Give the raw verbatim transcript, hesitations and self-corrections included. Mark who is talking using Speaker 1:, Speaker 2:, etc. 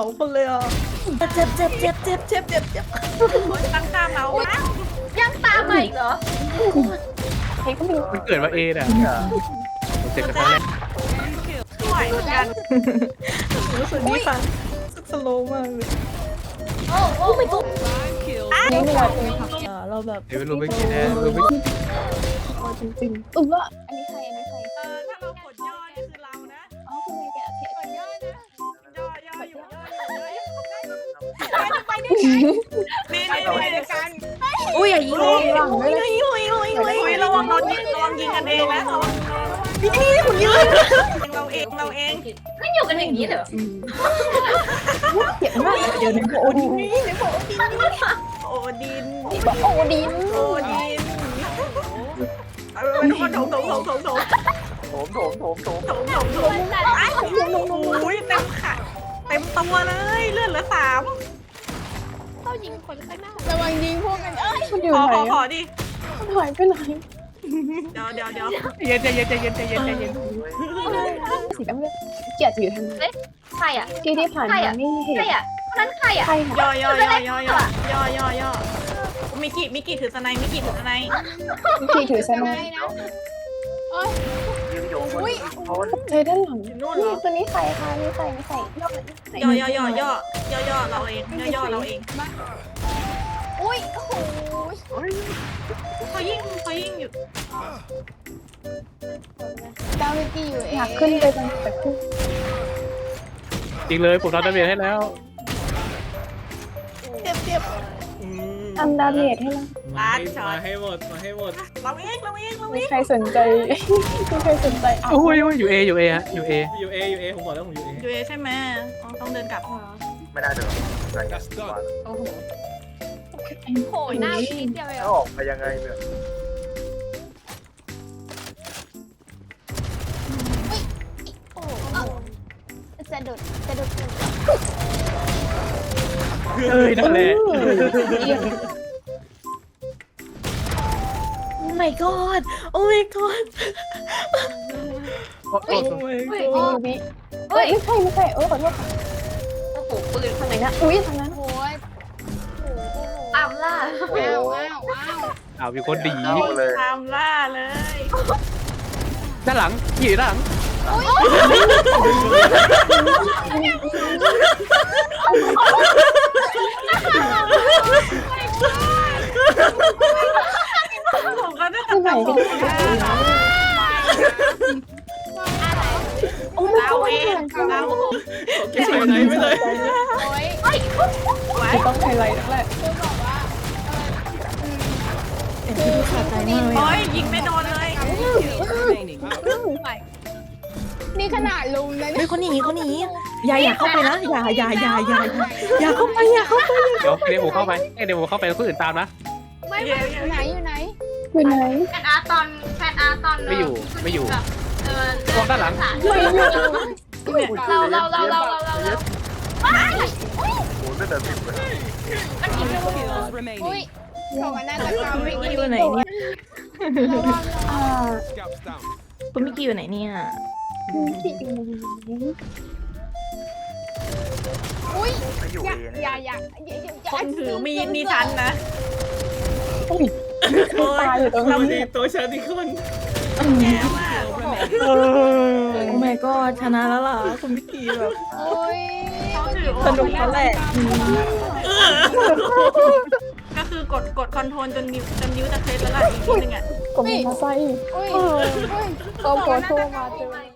Speaker 1: องคนเลยอ่ะเจ็บเจ็บเจ็บเจ็บเจ็บเจ็บเจ็บตั้งตาเมานะ
Speaker 2: ยังตามมาอีกเหรอ
Speaker 3: เฮ้ยก็มี
Speaker 4: มันเกิดมาเอน่ะเจ็บกันทั้งแรก
Speaker 1: ไหวเหมือนกันรู้สึกนี่ฟังสโลว์มากเลย
Speaker 2: โอ้โอ้ไม่ตุ๊ก
Speaker 3: นี่เวลาเป็นผัก
Speaker 1: อ่าเราแบบ
Speaker 4: เดี๋ยวไม่รู้ไม่กินแน่รู้ไม่กิน
Speaker 3: จริงๆเออว่าอันนี้ใครอันนี้ใคร
Speaker 1: เออถ้าเรากดย่อนี่คือเรานะ
Speaker 3: อ๋อคุณแม่แกเทส
Speaker 1: กดย่อนะย่อย่ออยู่ย่ออยู่ย่ออยู่นี่นี่นี่กัน
Speaker 3: อุ้ยอย่ายิงหลังด้วยเลย
Speaker 1: อุ้ยอุ้ยอุ้ยอุ้ยระวังโดนยิงระวังยิงกันเองนะนี่นี่คุณยืนเราเองเราเอง
Speaker 2: ไม่อยู่กันอย่างนี้เหรอ
Speaker 3: เจ็บมากเดี๋ยวนึกว่าโอดิน
Speaker 1: นี่เดี๋ยวบอกโอดินโอดิน
Speaker 3: โอดิน
Speaker 1: โอดินเออทุกคนโถงโถงโถงโถงโถง
Speaker 4: โถมโถมโถมโถม
Speaker 1: โถงโถงโถงไอ้โอ้ยเต็มขาเต็มตัวเลยเลือดเหลือสาม
Speaker 2: เข้ายิงคนข้างหน้า
Speaker 3: ระวังยิงพวกกันเอ้ยมันอยู่
Speaker 1: ขอ
Speaker 3: ไหน
Speaker 1: ขอขอดิ
Speaker 3: มันหายไปไหน
Speaker 1: เดี๋ยวเดี๋ยวเดี๋ยว
Speaker 4: เย็นใจเย็นใจเย็นใจเย็นใจเย็น
Speaker 3: สีดำเลยเกียรติอยู่ทางนี้
Speaker 2: ใครอ่ะ
Speaker 3: ที่ที่ผ่านมาไม่เห็น
Speaker 2: ใครอ่ะคนนั้นใครอ่ะ
Speaker 3: ใคร
Speaker 1: ย่
Speaker 3: ค่ะ
Speaker 1: อย่อย่อย่อย่อย่อย่อย่มิกิมิกิถือสไนมิกิถือสไน
Speaker 3: ที่ถือสนายใจด้านหลัง
Speaker 1: นู่นเหร
Speaker 3: นี่
Speaker 1: อ
Speaker 3: ตัวนี้ใครคะนี่ใครนี่ใคร
Speaker 1: ย่อย่อย่อย่อย่อย่อเราเองย่อย่อเราเอง
Speaker 3: อุ้ยโอ้โห
Speaker 1: เขายิ่งเขายิ่งอยู่
Speaker 3: ดาววิกี้อยู่อยากขึ้นไปตรงแต่ขึ้น
Speaker 4: จริงเลยผมทำดาเมจให้แล้ว
Speaker 1: เจ็บเจ็บ
Speaker 3: ทำดาเมจให้เรา
Speaker 1: ล้านช็อ
Speaker 5: มา
Speaker 1: ต
Speaker 5: ให้หมดมาให้หมด
Speaker 1: เราเองเราเองเรา
Speaker 3: มี
Speaker 1: เอง
Speaker 3: ใครสนใจมีใครสนใจอ่ะ
Speaker 4: โอ้ยอยู่เออยู่เอฮะอยู่เอ
Speaker 5: อยู่เออยู่เอผมบอกแล้วผมอยู่เอ
Speaker 1: ยูเอใช่ไหมต้องเดินกลับ
Speaker 6: ไม่น่าจะอะไรกัน
Speaker 3: โอ้โห
Speaker 2: โผล่หน้าอีกเดียวเอง
Speaker 6: แล้วออกไปยังไงเนี่ย
Speaker 2: โอ้จะดุดจะดุด
Speaker 4: เอ้ยนั่นแหละ
Speaker 1: โอ้ my god โอ้ my god
Speaker 4: โอ้โห
Speaker 1: โอ้ my
Speaker 3: มี
Speaker 1: god
Speaker 3: วิเฮ้ยไม่ใช่ไม่ใช่เออขอโทษค่ะ
Speaker 2: โอ้โหปืน
Speaker 3: ทางไหนนะอุ้ยทางนั้น
Speaker 2: โอ้ยตามล่า
Speaker 6: ว้าวว้าว
Speaker 4: เอามีคนดี
Speaker 6: เอาเลย
Speaker 1: ตามล่าเลย
Speaker 4: ด้านหลังอยู่ด้านหลัง
Speaker 1: ผมก็ได้แต่ผม
Speaker 3: โอ้ไม่
Speaker 1: เรา
Speaker 3: ใช่
Speaker 1: เองเรา
Speaker 5: เก็บไปไหนไม่เลย
Speaker 2: โอ้ย
Speaker 1: ไว้
Speaker 3: ต้องไฮไลท์นั่นแหละ
Speaker 2: คือบอกว่า
Speaker 1: โอ้ยยิงไม่โดนเลย
Speaker 3: นี่ขนาดลุมนะ
Speaker 1: เฮ้ยเขาหนีเขาหนีอย่าอย่าเข้าไปนะอย่าอย่าอย่าอย่าอย่าเข้าไปอย่าเข้าไป
Speaker 4: เดี๋ยวเดี๋ยวผมเข้าไปเดี๋ยวผมเข้าไปแล้วคนอื่นตามนะ
Speaker 2: ไม่
Speaker 1: อย่า
Speaker 2: ไหนอยู่ไหน
Speaker 3: อยู่ไหน
Speaker 2: แฟนอาร์ตอนแฟนอาร์ตอนเออ
Speaker 4: มองด้านหลัง
Speaker 3: ไม่อยู่
Speaker 2: เราเราเราเราเราเราเรา
Speaker 6: โอ้โหไม่เดินติดเลย
Speaker 2: อุ้ยโชว์กันหน้าตะกร้า
Speaker 1: มิกกี้อยู่ไหนเนี่ย
Speaker 3: อ่า
Speaker 1: คุณมิกกี้อยู่ไหนเนี่ย
Speaker 3: ที่อยู่ไหน
Speaker 2: อุ้ย
Speaker 6: ไม่อยู่
Speaker 2: อย่า
Speaker 6: เอ
Speaker 2: อย่า
Speaker 6: เนี่ย
Speaker 2: อย่าอย่า
Speaker 1: คนถือมีดนี่ทันนะ
Speaker 3: อุ้ยตายอยู่ตรง
Speaker 5: เรา
Speaker 3: นี้
Speaker 5: ดีตัวชาติคน
Speaker 1: แย่มากโอ้ my god ชนะแล้วล่ะคุณมิกกี้แบบ
Speaker 2: โอ้ย
Speaker 1: สนุกแล้วแหละก็คือกดกดคอนโทรลจนนิ้วจนนิ้วจะเคล็ดแล้วล่ะอีกนิดนึงอ่ะ
Speaker 3: กดมาใส่
Speaker 2: อุ้ย
Speaker 3: ก็โผล่มาเจอ